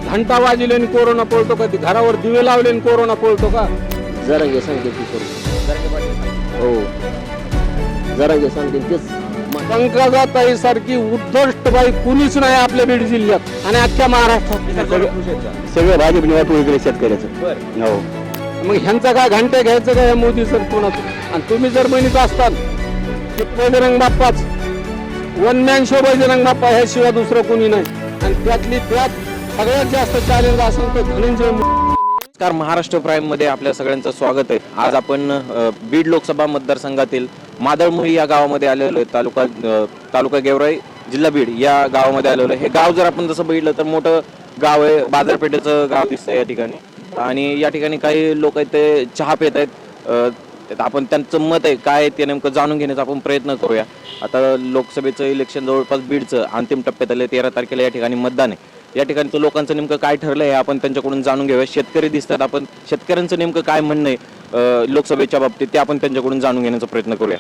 घंटा वाजले आणि कोरोना पळतो का? घरावर दिवे लावले आणि कोरोना पळतो का? जरांगे सांगते ती करू हो जरांगे सांगते तेच पंकजाताई सारखी उद्धष्ट बाई कुणीच नाही आपल्या बीड जिल्ह्यात आणि अख्ख्या महाराष्ट्रात. सगळं भाजपने वाटून इकडे शेतकऱ्याचं हो. मग ह्यांचं काय घंटे घ्यायचं का या मोदी सरकारचं? आणि तुम्ही जर म्हणत असताल की बजरंग बाप्पाच one man show Bajrang Bappa ह्याशिवाय दुसरं कोणी नाही आणि त्यातली त्यात सगळ्यात जास्त चॅलेंज असेल तर धनंजय नमस्कार, महाराष्ट्र प्राईम मध्ये आपल्या सगळ्यांचं स्वागत आहे. आज आपण बीड लोकसभा मतदारसंघातील मादळमुही या गावामध्ये आलेलो आहे. तालुका गेवराई, जिल्हा बीड या गावामध्ये आलेलो आहे. हे गाव जर आपण जसं बघितलं तर मोठं गाव आहे, बाजारपेठेचं गाव दिसतंय या ठिकाणी. आणि या ठिकाणी काही लोक आहेत ते चहा पित आहेत. आपण त्यांचं मत आहे काय ते नेमकं जाणून घेण्याचा आपण प्रयत्न करूया. आता लोकसभेचं इलेक्शन जवळपास बीडचं अंतिम टप्प्यात आले. 13 तारखेला या ठिकाणी मतदान आहे. या ठिकाणचं लोकांचं नेमकं काय ठरलं आहे आपण त्यांच्याकडून जाणून घेऊया. शेतकरी दिसतात, आपण शेतकऱ्यांचं नेमकं काय म्हणणं आहे लोकसभेच्या बाबतीत ते आपण त्यांच्याकडून जाणून घेण्याचा प्रयत्न करूया.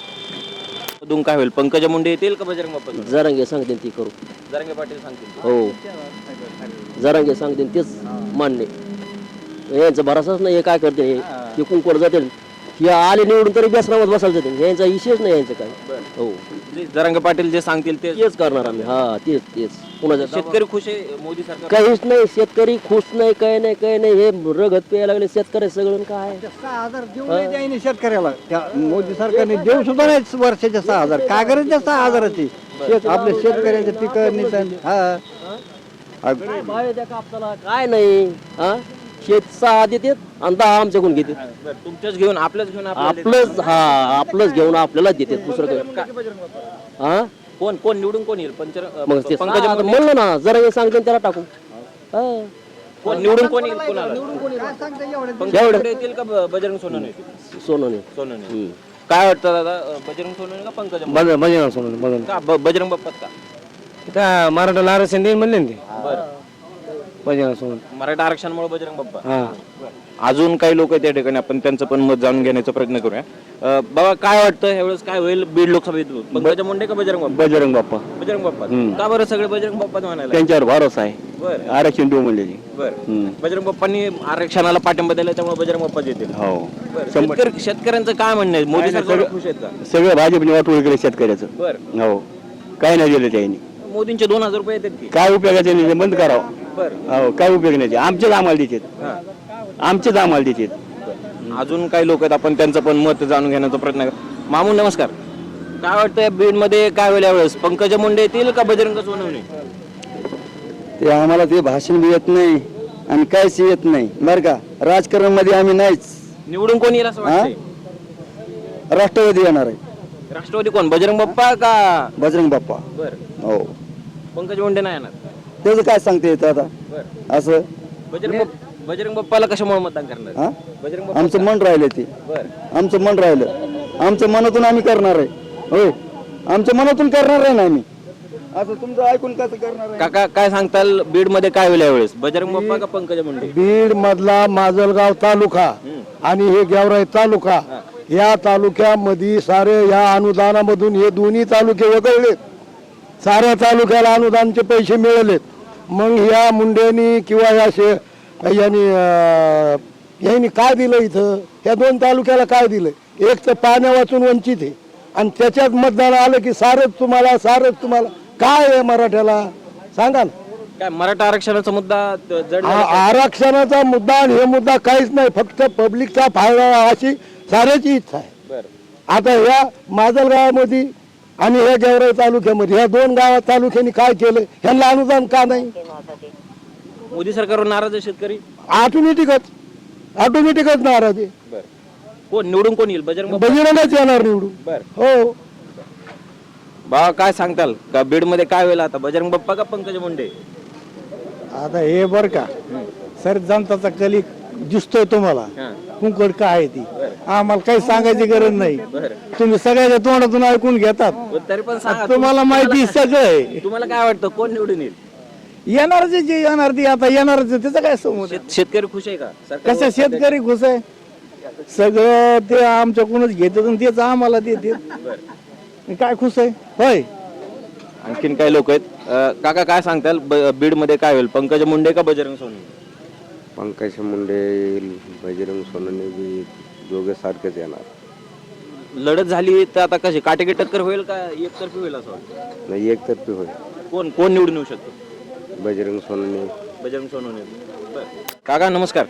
अजून काय होईल? पंकजा मुंडे येतील का बजरंग बाप्पा? जरांगे सांगते ती करू जरांगे पाटील सांगतील हो जरांगे सांगते तेच मान्य. यांचा भरोसाच नाही. हे काय करते हे कुंकवर जाते हे आले निवडून तरी बेसरामत बसायला जाते. यांचा विषयच नाही यांचं काय हो. जरांगे पाटील जे सांगतील तेच करणार आम्ही हा तेच कुणाचं शेतकरी खुश आहे मोदी सरकार? काहीच नाही. शेतकरी खुश नाही काही नाही हे रगत प्यायला लागले शेतकरी सगळं. काय 6,000 देऊन द्यायने शेतकऱ्याला त्या मोदी सरकारने देऊ सुद्धा नाही वर्षाच्या 6,000. काय गरज त्या 6,000ची आपल्या शेतकऱ्यांच्या पिकं काय भाव आहे त्या कापसाला? काय नाही हा. शेत 6 देतात आणि 10 आमच्याकडून घेतात. तुमच्याच घेऊन आपल्याच घेऊन आपलंच घेऊन आपल्याला देतात दुसरं काय हा. कोण निवडून कोण येईल? मग ते पंकजा मुंडे म्हणलं ना जरा हे सांगते त्याला टाकू कोण निवडून कोण येईल? कोणाला? पंकजा मुंडे येतील का बजरंग सोनवणे? सोनवणे. काय वाटतं दादा, बजरंग सोनवणे का पंकजा मुंडे? बजरंग सोनवणे का बजरंग बाप्पात का? मराठा आरक्षण देईन म्हणले ना ते बरं, बजरंग सोनवणे. मराठा आरक्षणामुळे बजरंग बाप्पा. हा अजून काही लोक आहेत त्या ठिकाणी, आपण त्यांचं पण मत जाणून घेण्याचा प्रयत्न करूया. बाबा काय वाटतं ह्यावेळेस काय होईल बीड लोकसभेत? पंकजा मुंडे का बजरंग बाप्पा? बजरंग बाप्पा बजरंग बाप्पा. का बरं सगळे बजरंग बाप्पा म्हणायला? त्यांच्यावर भरोसा आहे. बरं आरक्षण देऊ म्हणले बरं. बजरंग बाप्पांनी आरक्षणाला पाठिंबा दिला त्यामुळे बजरंग बाप्पा येतील. हो शेतकऱ्यांचं काय म्हणणं आहे? मोदी सरकार खुश आहेत का? सगळं भाजपने वाटून इकडे शेतकऱ्याचं बरं. हो. काय नाही दिलं त्यांनी. मोदींचे 2,000 रुपये येतात की? काय उपयोगाचे नाही बंद करावं. बरं. हो काय उपयोग नाही. आमचेच आम्हाला देतात. आमचेच आम्हाला देतात. अजून काही लोक आहेत आपण त्यांचं पण मत जाणून घेण्याचा प्रयत्न करू. मामू नमस्कार, काय वाटतं बीड मध्ये काय होईल यावेळेस? पंकजा मुंडे येतील का बजरंग सोनवणे? ते आम्हाला ते भाषण बी येत नाही आणि काहीच येत नाही बरं का. राजकारण मध्ये आम्ही नाहीच. निवडून कोण येईल असं वाटतंय? राष्ट्रवादी येणार आहे. राष्ट्रवादी कोण? बजरंग बाप्पा का बजरंग बाप्पा बरं. हो. पंकजा मुंडे नाही येणार? त्याचं काय सांगते येतं आता बरं. असं. बजरंग बाप्पाला कशामुळे मतदान करणार? हा बजरंग बाप्पा. आमचं मन राहिलं ते. बरं. आमचं मन राहिलं. आमच्या मनातून आम्ही करणार आहे. होय आमच्या मनातून करणार आहे ना आम्ही. असं तुमचं ऐकून कसं करणार आहे? काका काय सांगताल बीड मध्ये काय होईल यावेळेस? बजरंग बाप्पा का पंकजा मुंडे? बीड मधला माजलगाव तालुका आणि हे गेवराई तालुका या तालुक्यामध्ये सारे या अनुदानामधून हे दोन्ही तालुके वगळले. साऱ्या तालुक्याला अनुदानचे पैसे मिळालेत. मग या मुंडेनी किंवा यांनी काय दिलं इथं? या 2 तालुक्याला काय दिलं? एक तर पाण्या वाचून वंचित आहे आणि त्याच्यात मतदान आलं की सारच तुम्हाला काय आहे मराठ्याला सांगा ना. काय मराठा आरक्षणाचा मुद्दा जड आरक्षणाचा मुद्दा आणि हे मुद्दा काहीच नाही. फक्त पब्लिकचा फायदा अशी साऱ्याची इच्छा आहे. बरं. आता या माजलगावामध्ये आणि या गेवराई तालुक्यामध्ये ह्या 2 गावात तालुक्यांनी काय केलं? ह्यांना अनुदान का नाही? मोदी सरकारवर नाराज आहे शेतकरी? ऑटोमॅटिकच नाराज आहे. बरं. कोण निवडून कोण येईल? बजरंग बाप्पा? बजरंगच येणार निवडून. बरं. हो. बा काय सांगताल का बीड मध्ये काय होईल आता? बजरंग बाप्पा का पंकजा मुंडे? आता हे बर का सर जनताचा कली दिसतोय तुम्हाला. कुंकड काय आहे ती आम्हाला काही सांगायची गरज नाही. तुम्ही सगळ्याच्या तोंडातून ऐकून घेतात. तरी पण सांगा, तुम्हाला माहिती सगळं आहे. तुम्हाला काय वाटतं कोण निवडून येईल? येणार जे येणार ती आता येणार त्याचं काय समज. शेतकरी खुश आहे का? कशा शेतकरी खुश आहे? सगळं ते आमच्याकडूनच घेतात आणि तेच आम्हाला देतात. काय खुश आहे होय. आणखीन काही लोक आहेत काका काय सांगताल बीड मध्ये काय होईल, पंकजा मुंडे का बजरंग सोनवणे? पंकजा मुंडे येईल, बजरंग सोनवणे बी दोघे सारखेच येणार. लढत झाली तर आता कशी काटेकी टक्कर होईल का एकतर्फी होईल असं वाटतं? नाही एकतर्फी होईल. कोण कोण निवडून येऊ शकतो? बजरंग सोनवणे. बजरंग सोनवणे. बरं. काका नमस्कार.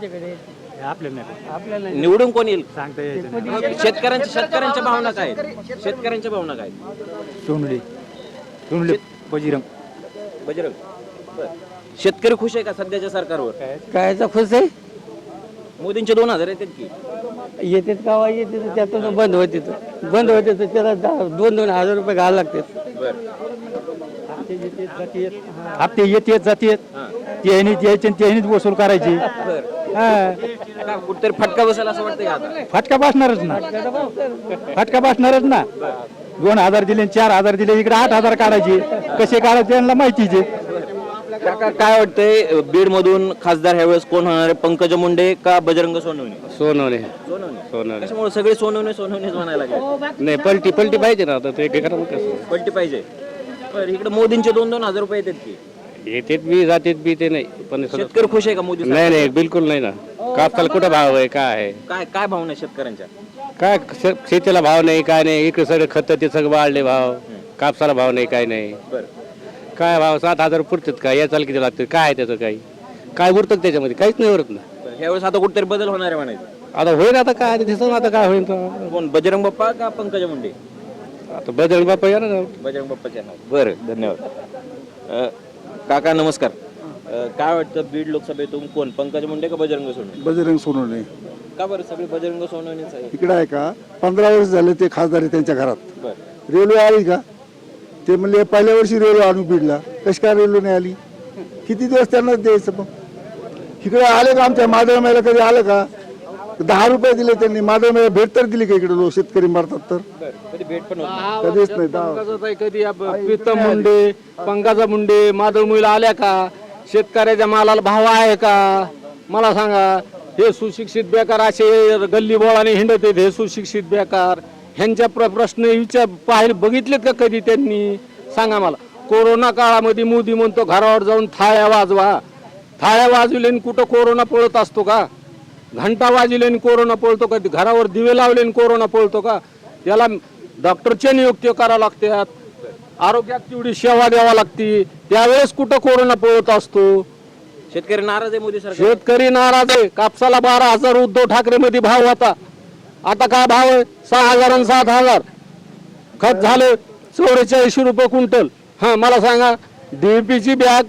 निवडून कोण येईल? शेतकऱ्यांच्या भावना काय आहेत? शेतकऱ्यांच्या भावना काय आहेत? सोनवणे बजरंग. बजरंग. बरं. शेतकरी खुश आहे का सध्याच्या सरकारवर? कायचा खुश आहे मोदींचे 2000 येतात की? येतात गावा येते त्यातून बंद होते तर त्याला 2,000 रुपये घालावे लागतात. बरं. हप्ते येतेत जातेत त्यांनी द्यायचे त्यांनीच वसूल करायची. का कुठतरी फटका बसेल असं वाटतं का आता? फटका बसणारच ना 2,000 दिले 4,000 दिले इकडे 8,000 काढायचे. कसे काढायचे त्यांना माहितीच आहे. काका काय वाटतंय बीड मधून खासदार ह्यावेळेस कोण होणार आहे, पंकजा मुंडे का बजरंग सोनवणे? सोनवणे. सोनवणे. कशामुळे सगळे सोनवणेच म्हणायला लागले? नाही पलटी पाहिजे ना आता ते करा कसं. पलटी पाहिजे. बरं, इकडे मोदींचे 2,000 रुपये येतात की? येतेत बी जातेत बी ते नाही पण शेतकरी खुश आहे का मोदी सरकार? नाही बिलकुल नाही ना. कापसाला कुठं भाव आहे काय आहे? काय भावना आहे शेतकऱ्यांच्या? काय शेतीला भाव नाही काय नाही. इकडे सगळे खत ते सगळं वाढले भाव. कापसाला भाव नाही काय नाही. बरं. काय भाव 7,000 पुरतात का? या चाल किती लागतं काय आहे त्याचं काही काय उरतं त्याच्यामध्ये काहीच नाही उरत ना. ह्यावेळेस आता कुठेतरी बदल होणार आहे म्हणायचं. आता होईल आता काय दिसत आता काय होईल कोण, बजरंग बाप्पा का पंकजा मुंडे? आता बदल बापा या ना. बजरंग बाप्पाच्या नाव. बरं, धन्यवाद. काका नमस्कार. काय वाटतं बीड लोकसभेतून कोण, पंकजा मुंडे का बजरंग सोनवणे? बजरंग सोनवणे. का बरं सगळे बजरंग सोनवणेच आहे? इकडे आहे का 15 वर्ष झाले ते खासदार आहे त्यांच्या घरात. बरं. रेल्वे आली का? ते म्हणले पहिल्या वर्षी रेल्वे आणून बीडला. कशी काय रेल्वे नाही आली? किती दिवस त्यांना द्यायचं मग? इकडे आले का आमच्या माधव मेला कधी आलं का? 10 रुपये दिले त्यांनी. माधव मेला भेट तर दिली का इकडे? लोक शेतकरी मारतात तर कधी भेट पण होत नाही. कधीच नाही. कधी प्रीतम मुंडे, पंकजा मुंडे, माधव मुला आल्या का? शेतकऱ्याच्या मालाला भाव आहे का? मला सांगा. हे सुशिक्षित बेकार असे गल्ली बोळाने हिंडत आहेत. हे सुशिक्षित बेकार ह्यांच्या प्रश्न पाहिले बघितलेत का कधी त्यांनी? सांगा मला. कोरोना काळामध्ये मोदी म्हणतो घरावर जाऊन थाळ्या वाजवा. थाळ्या वाजविले कुठं कोरोना पळत असतो का? घंटा वाजविले कोरोना पळतो का? घरावर दिवे लावले कोरोना पळतो का? त्याला डॉक्टरच्या नियुक्ती करावं लागतात. आरोग्यात तेवढी सेवा द्यावा लागते. त्यावेळेस कुठं कोरोना पळत असतो? शेतकरी नाराज आहे मोदी सरकार. शेतकरी नाराज आहे. कापसाला 12,000 उद्धव ठाकरे मध्ये भाव होता. आता काय भाव आहे? 6,000 आणि 7,000. खत झालं 44 रुपये क्विंटल. हा मला सांगा. डीएपीची बॅग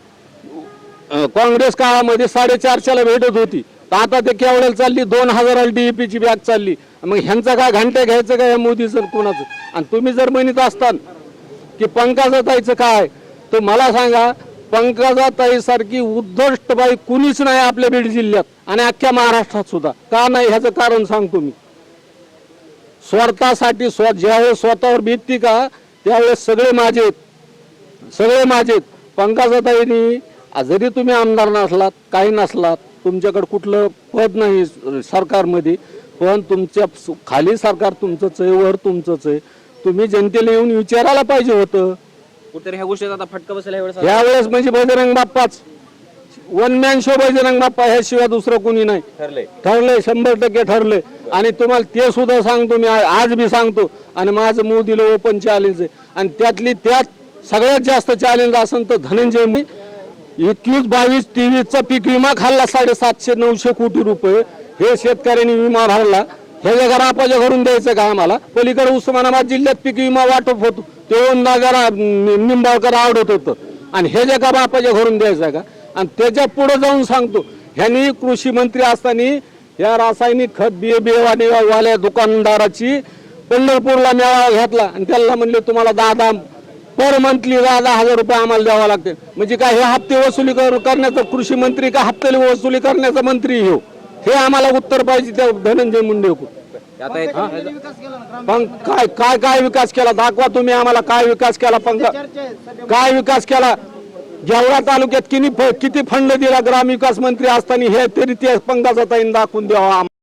काँग्रेस काळामध्ये 450 भेटत होती. तर आता ते केवढ्याला चालली? 2,000 डीएपीची बॅग चालली. मग ह्यांचा काय घंटे घ्यायचं काय मोदी सर कोणाचं? आणि तुम्ही जर म्हणत असताल की पंकजाताईचं काय, तर मला सांगा पंकजाताई सारखी उद्धष्ट बाई कुणीच नाही आपल्या बीड जिल्ह्यात आणि अख्ख्या महाराष्ट्रात सुद्धा. का नाही ह्याचं कारण सांगतो मी. स्वार्थासाठी ज्यावेळेस स्वतःवर बीतती का त्यावेळेस सगळे माझेत. पंकजाताईंनी जरी तुम्ही आमदार नसलात काही नसलात, तुमच्याकडे कुठलं पद नाही सरकारमध्ये, पण तुमच्या खाली सरकार तुमचंच आहे, वर तुमचंच आहे. तुम्ही जनतेला येऊन विचारायला पाहिजे होतं. कुठेतरी ह्या गोष्टीचा आता फटका बसेल यावेळेस म्हणजे बजरंग बाप्पाच 1 मॅन शो. बजरंग बाप्पा ह्याशिवाय दुसरं कोणी नाही. ठरलंय 100% ठरलंय. आणि तुम्हाला ते सुद्धा सांगतो मी, आज बी सांगतो. आणि माझं मोदीला ओपन चॅलेंज आहे. आणि त्यात सगळ्यात जास्त चॅलेंज असेल तर धनंजय 21-22-23चा पीक विमा खाल्ला 750-900 कोटी रुपये. हे शेतकऱ्यांनी विमा भरला. हे घरापाच्या घरून द्यायचं का आम्हाला? पलीकडे उस्मानाबाद जिल्ह्यात पीक विमा वाटप होतो ते जरा निंबाळकर आवडत होतं. आणि हे जे का बापाच्या घरून द्यायचं का? आणि त्याच्या पुढे जाऊन सांगतो, ह्यांनी कृषी मंत्री असताना या रासायनिक खत बियावाल्या दुकानदाराची पंढरपूरला मेळावा घेतला आणि त्याला म्हणले तुम्हाला 10 पर मंथली 10,000 रुपये आम्हाला द्यावा लागते. म्हणजे काय हे हप्ते वसुली करण्याचा कृषी मंत्री का हप्ते वसुली करण्याचा मंत्री? हे आम्हाला उत्तर पाहिजे त्या धनंजय मुंडे. पण काय विकास केला दाखवा तुम्ही आम्हाला. काय विकास केला काय विकास केला? गेवरा तालुक्यात किती फंड दिला ग्रामविकास मंत्री असताना हे तरी ते पंकजाताईंनी दाखवून द्यावा.